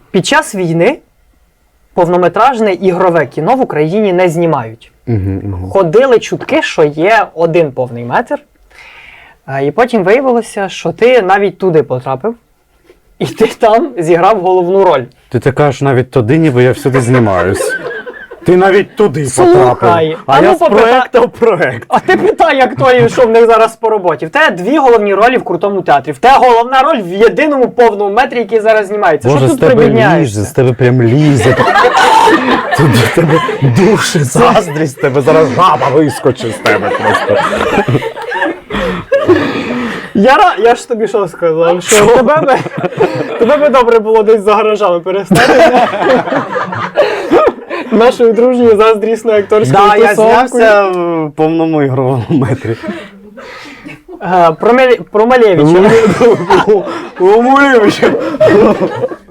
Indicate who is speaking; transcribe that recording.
Speaker 1: Під час війни повнометражне ігрове кіно в Україні не знімають. Ходили чутки, що є один повний метр. І потім виявилося, що ти навіть туди потрапив. І ти там зіграв головну роль.
Speaker 2: Ти кажеш навіть туди, ніби я всюди знімаюсь. Ти навіть туди
Speaker 1: Слухай,
Speaker 2: потрапив.
Speaker 1: а
Speaker 2: А
Speaker 1: ну
Speaker 2: я з
Speaker 1: попитай.
Speaker 2: проекту в проект.
Speaker 1: А ти питай, як той, що в них зараз по роботі. В тебе 2 головні ролі в крутому театрі. В тебе головна роль в єдиному повному метрі, який зараз знімається.
Speaker 2: Боже,
Speaker 1: Що
Speaker 2: з
Speaker 1: тут
Speaker 2: тебе
Speaker 1: прибідняєшся?
Speaker 2: лізе, з тебе прям лізе. Тут до тебе душі, заздрість, з тебе зараз жаба вискочить з тебе просто.
Speaker 1: Я ж тобі що сказав? Що тебе би добре було десь за гаражами перестати. Нашою дружньою заздрісною акторською
Speaker 2: Да, я
Speaker 1: тусовкою.
Speaker 2: знявся в повному ігровому метрі.
Speaker 1: Про Малевича.
Speaker 2: Умолюючи.